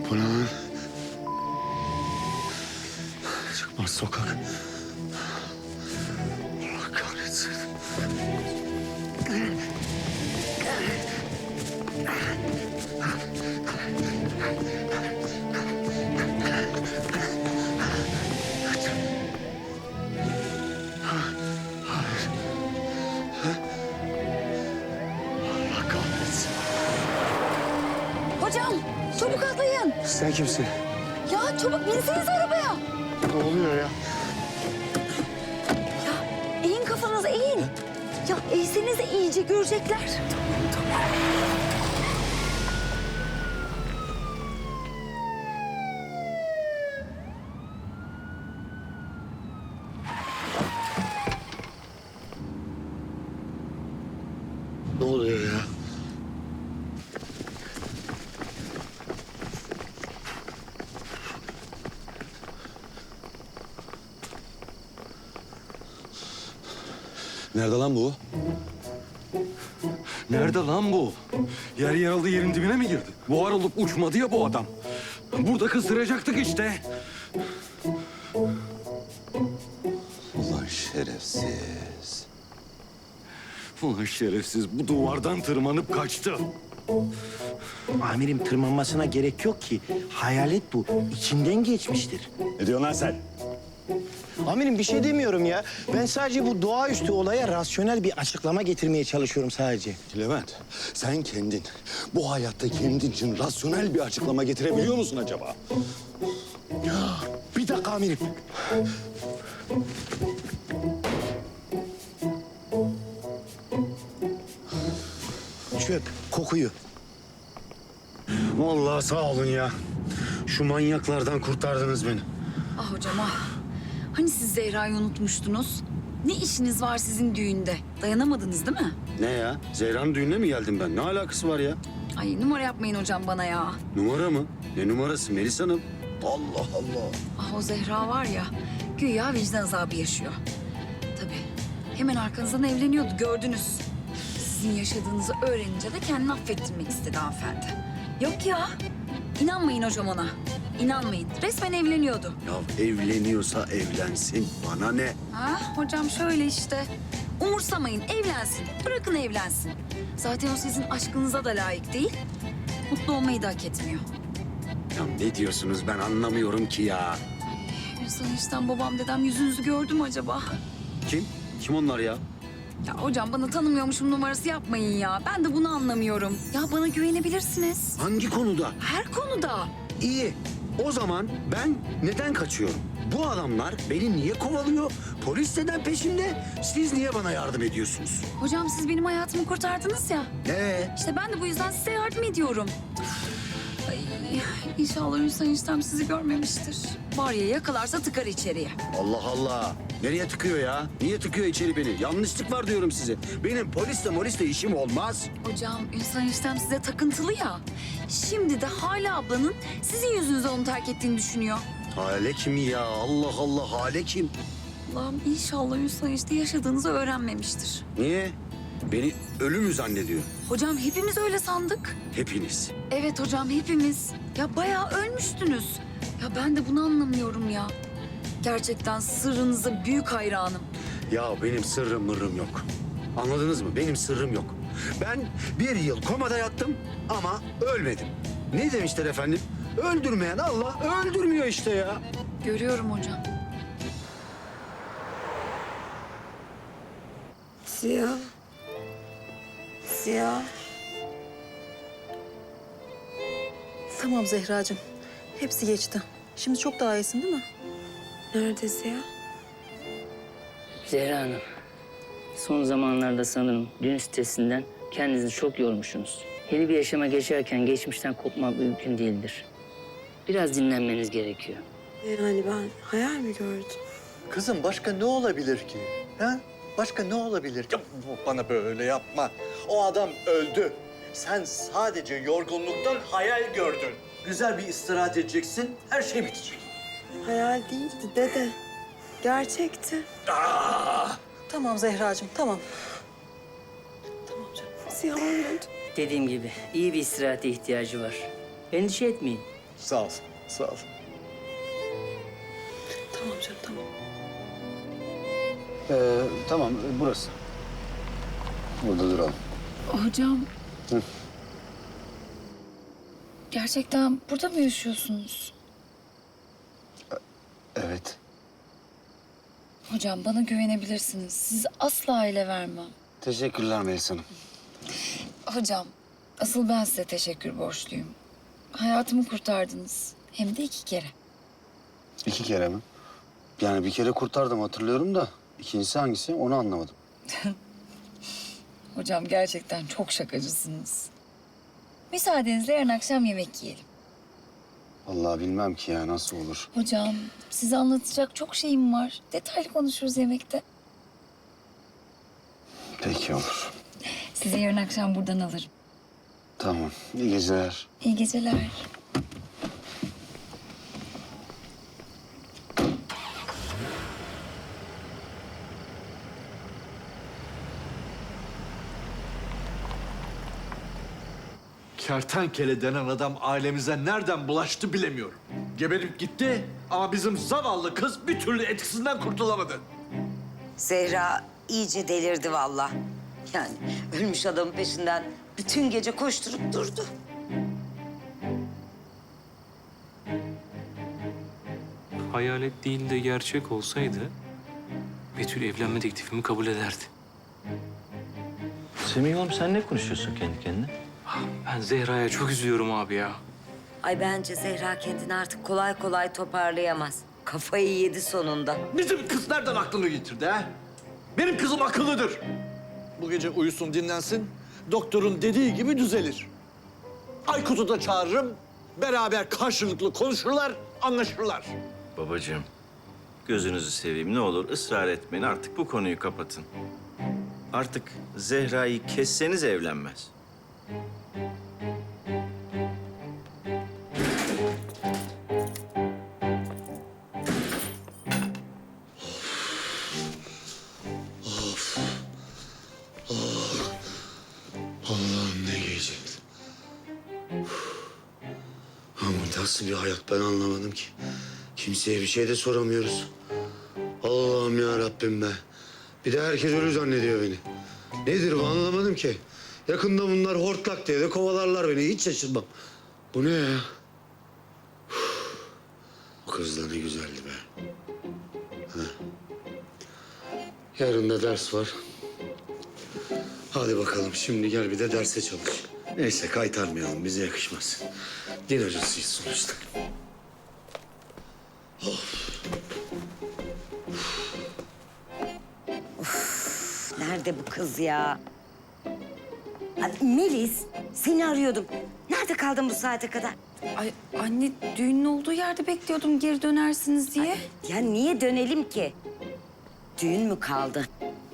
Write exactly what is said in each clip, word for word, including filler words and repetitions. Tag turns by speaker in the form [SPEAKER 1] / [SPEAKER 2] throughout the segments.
[SPEAKER 1] Bu ne lan? Çıkmaz sokak. Allah kahretsin. Allah kahretsin.
[SPEAKER 2] Hocam çabuk atlayın.
[SPEAKER 1] Sen kimsin?
[SPEAKER 2] Ya çabuk binseniz arabaya.
[SPEAKER 1] Ne oluyor ya?
[SPEAKER 2] Ya eğin kafanızı eğin. Ya eğseniz de iyice görecekler.
[SPEAKER 1] Ne oluyor ya? Nerede lan bu?
[SPEAKER 3] Nerede lan bu? Yer yarıldı yerin dibine mi girdi? Buhar olup uçmadı ya bu adam. Burada kızdıracaktık işte.
[SPEAKER 1] Ulan şerefsiz.
[SPEAKER 3] Ulan şerefsiz bu duvardan tırmanıp kaçtı.
[SPEAKER 4] Amirim tırmanmasına gerek yok ki. Hayalet bu. İçinden geçmiştir.
[SPEAKER 1] Ne diyorsun lan sen?
[SPEAKER 4] Amirim bir şey demiyorum ya. Ben sadece bu doğaüstü olaya rasyonel bir açıklama getirmeye çalışıyorum sadece.
[SPEAKER 1] Levent, sen kendin, bu hayatta kendin için rasyonel bir açıklama getirebiliyor musun acaba?
[SPEAKER 4] Bir dakika amirim. Çök kokuyu.
[SPEAKER 1] Vallahi sağ olun ya. Şu manyaklardan kurtardınız beni.
[SPEAKER 2] Ah hocam ah. Hani siz Zehra'yı unutmuştunuz? Ne işiniz var sizin düğünde? Dayanamadınız değil mi?
[SPEAKER 1] Ne ya? Zehra'nın düğününe mi geldim ben? Ne alakası var ya?
[SPEAKER 2] Ay numara yapmayın hocam bana ya.
[SPEAKER 1] Numara mı? Ne numarası Melis Hanım? Allah Allah.
[SPEAKER 2] Ah o Zehra var ya, güya vicdan azabı yaşıyor. Tabii. Hemen arkanızdan evleniyordu, gördünüz. Sizin yaşadığınızı öğrenince de kendini affettirmek istedi hanımefendi. Yok ya, inanmayın hocam ona. İnanmayın, resmen evleniyordu.
[SPEAKER 1] Ya evleniyorsa evlensin. Bana ne?
[SPEAKER 2] Ha, hocam şöyle işte. Umursamayın, evlensin. Bırakın evlensin. Zaten o sizin aşkınıza da layık değil. Mutlu olmayı da hak etmiyor.
[SPEAKER 1] Ya ne diyorsunuz ben anlamıyorum ki ya.
[SPEAKER 2] Ünsal eniştem, babam, dedem yüzünüzü gördü mü acaba?
[SPEAKER 1] Kim? Kim onlar ya?
[SPEAKER 2] Ya hocam bana tanımıyormuşum numarası yapmayın ya. Ben de bunu anlamıyorum. Ya bana güvenebilirsiniz.
[SPEAKER 1] Hangi konuda?
[SPEAKER 2] Her konuda.
[SPEAKER 1] İyi. O zaman ben neden kaçıyorum? Bu adamlar beni niye kovalıyor? Polis neden peşimde? Siz niye bana yardım ediyorsunuz?
[SPEAKER 2] Hocam siz benim hayatımı kurtardınız ya.
[SPEAKER 1] Ee?
[SPEAKER 2] İşte ben de bu yüzden size yardım ediyorum. Ay, inşallah Ünsal eniştem sizi görmemiştir. Var ya yakalarsa tıkar içeriye.
[SPEAKER 1] Allah Allah. Nereye tıkıyor ya? Niye tıkıyor içeri beni? Yanlışlık var diyorum size. Benim polisle molisle işim olmaz.
[SPEAKER 2] Hocam Ünsal eniştem size takıntılı ya. Şimdi de Hale ablanın sizin yüzünüzden onu terk ettiğini düşünüyor.
[SPEAKER 1] Hale kim ya? Allah Allah, Hale kim?
[SPEAKER 2] Allah'ım inşallah Ünsal enişte yaşadığınızı öğrenmemiştir.
[SPEAKER 1] Niye? Beni ölü mü zannediyor?
[SPEAKER 2] Hocam hepimiz öyle sandık.
[SPEAKER 1] Hepiniz.
[SPEAKER 2] Evet hocam hepimiz. Ya bayağı ölmüştünüz. Ya ben de bunu anlamıyorum ya. Gerçekten sırrınıza büyük hayranım.
[SPEAKER 1] Ya benim sırrım mırrım yok. Anladınız mı? Benim sırrım yok. Ben bir yıl komada yattım ama ölmedim. Ne demişler efendim? Öldürmeyen Allah öldürmüyor işte ya.
[SPEAKER 2] Görüyorum hocam.
[SPEAKER 5] Siyah. Siyah.
[SPEAKER 6] Tamam Zehracığım. Hepsi geçti. Şimdi çok daha iyisin değil mi?
[SPEAKER 5] Nerede Siyah?
[SPEAKER 7] Zehra Hanım, son zamanlarda sanırım düğün sitesinden kendinizi çok yormuşsunuz. Yeni bir yaşama geçerken geçmişten kopmak mümkün değildir. Biraz dinlenmeniz gerekiyor.
[SPEAKER 5] Yani ben hayal mi gördüm?
[SPEAKER 8] Kızım başka ne olabilir ki? Ha? Başka ne olabilir ki? Bana böyle yapma. O adam öldü. Sen sadece yorgunluktan hayal gördün. Güzel bir istirahat edeceksin, her şey bitecek.
[SPEAKER 5] Hayal değildi dede. Gerçekti.
[SPEAKER 6] Tamam Zehracığım, tamam.
[SPEAKER 5] Tamam canım. Siyah olmadı.
[SPEAKER 7] Dediğim gibi iyi bir istirahate ihtiyacı var. Endişe etmeyin.
[SPEAKER 8] Sağ ol, sağ ol.
[SPEAKER 5] Tamam canım tamam.
[SPEAKER 1] Ee, tamam burası. Burada duralım.
[SPEAKER 2] Hocam.
[SPEAKER 1] Hı.
[SPEAKER 2] Gerçekten burada mı yaşıyorsunuz?
[SPEAKER 1] Evet.
[SPEAKER 2] Hocam bana güvenebilirsiniz. Sizi asla ele vermem.
[SPEAKER 1] Teşekkürler Melis Hanım.
[SPEAKER 2] Hocam, asıl ben size teşekkür borçluyum. Hayatımı kurtardınız. Hem de iki kere.
[SPEAKER 1] İki kere mi? Yani bir kere kurtardım hatırlıyorum da ikincisi hangisi onu anlamadım.
[SPEAKER 2] Hocam gerçekten çok şakacısınız. Müsaadenizle yarın akşam yemek yiyelim.
[SPEAKER 1] Vallahi bilmem ki ya nasıl olur.
[SPEAKER 2] Hocam, size anlatacak çok şeyim var. Detaylı konuşuruz yemekte.
[SPEAKER 1] Peki olur.
[SPEAKER 2] Sizi yarın akşam buradan alırım.
[SPEAKER 1] Tamam. İyi geceler.
[SPEAKER 2] İyi geceler.
[SPEAKER 8] Kertenkele denen adam ailemize nereden bulaştı bilemiyorum. Geberip gitti ama bizim zavallı kız bir türlü etkisinden kurtulamadı.
[SPEAKER 9] Zehra iyice delirdi vallahi. Yani ölmüş adamın peşinden bütün gece koşturup durdu.
[SPEAKER 10] Hayalet değil de gerçek olsaydı Betül evlenme teklifimi kabul ederdi.
[SPEAKER 11] Semih oğlum sen ne konuşuyorsun kendi kendine?
[SPEAKER 10] Ben Zehra'ya çok üzülüyorum abi ya.
[SPEAKER 9] Ay bence Zehra kendini artık kolay kolay toparlayamaz. Kafayı yedi sonunda.
[SPEAKER 8] Bizim kız nereden aklını getirdi ha? Benim kızım akıllıdır. Bu gece uyusun dinlensin. Doktorun dediği gibi düzelir. Aykut'u da çağırırım. Beraber karşılıklı konuşurlar, anlaşırlar.
[SPEAKER 11] Babacığım, gözünüzü seveyim ne olur ısrar etmeyin artık bu konuyu kapatın. Artık Zehra'yı kesseniz evlenmez.
[SPEAKER 1] Allah'ım ne gece. Ama nasıl bir hayat ben anlamadım ki. Kimseye bir şey de soramıyoruz. Allah'ım ya Rabbim be. Bir de herkes ölü zannediyor beni. Nedir bu anlamadım ki. Yakında bunlar hortlak diye de kovalarlar beni. Hiç şaşırmam. Bu ne ya? O kız da ne güzeldi be. Ha. Yarın da ders var. Hadi bakalım şimdi gel bir de derse çalış. Neyse kaytarmayalım bize yakışmaz. Din hocasıyız sonuçta.
[SPEAKER 9] Nerede bu kız ya? Ay, Melis, seni arıyordum. Nerede kaldın bu saate kadar?
[SPEAKER 2] Ay anne, düğünün olduğu yerde bekliyordum geri dönersiniz diye.
[SPEAKER 9] Ya niye dönelim ki? Düğün mü kaldı?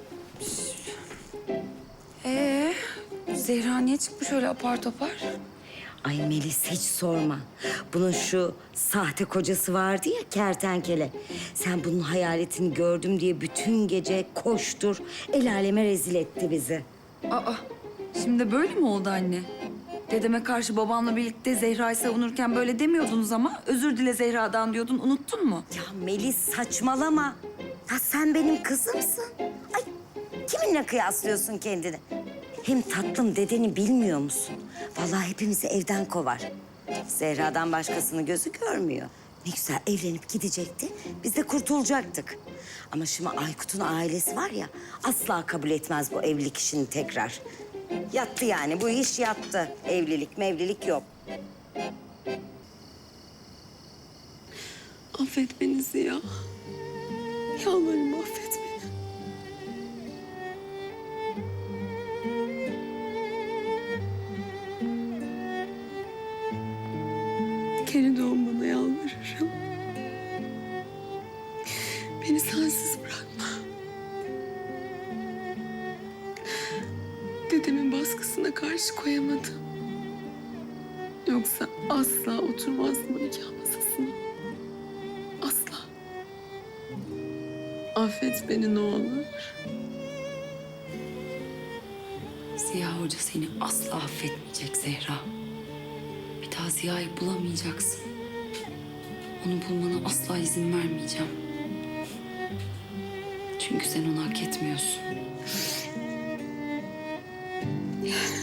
[SPEAKER 2] Ee, Zehra niye çıkmış öyle apar topar?
[SPEAKER 9] Ay Melis hiç sorma. Bunun şu sahte kocası vardı ya kertenkele. Sen bunun hayaletini gördüm diye bütün gece koştur. El aleme rezil etti bizi.
[SPEAKER 2] Aa, şimdi böyle mi oldu anne? Dedeme karşı babamla birlikte Zehra'yı savunurken böyle demiyordunuz ama özür dile Zehra'dan diyordun, unuttun mu?
[SPEAKER 9] Ya Melis saçmalama. Ya sen benim kızımsın. Ay kiminle kıyaslıyorsun kendini? Hem tatlım dedeni bilmiyor musun? Vallahi hepimizi evden kovar. Zehra'dan başkasını gözü görmüyor. Ne güzel evlenip gidecekti. Biz de kurtulacaktık. Ama şimdi Aykut'un ailesi var ya asla kabul etmez bu evlilik işini tekrar. Yattı yani bu iş yattı. Evlilik mevlilik yok.
[SPEAKER 5] Affet beni Ziya. Yalvarırım affet beni. Geri dön bana yalvarırım. Beni sensiz bırakma. Dedemin baskısına karşı koyamadım. Yoksa asla oturmazdım o nikah masasına. Asla. Affet beni ne olur.
[SPEAKER 2] Ziya Hoca seni asla affetmeyecek Zehra. Bir daha Ziya'yı bulamayacaksın. Onu bulmana asla izin vermeyeceğim. Çünkü sen onu hak etmiyorsun.
[SPEAKER 5] Yani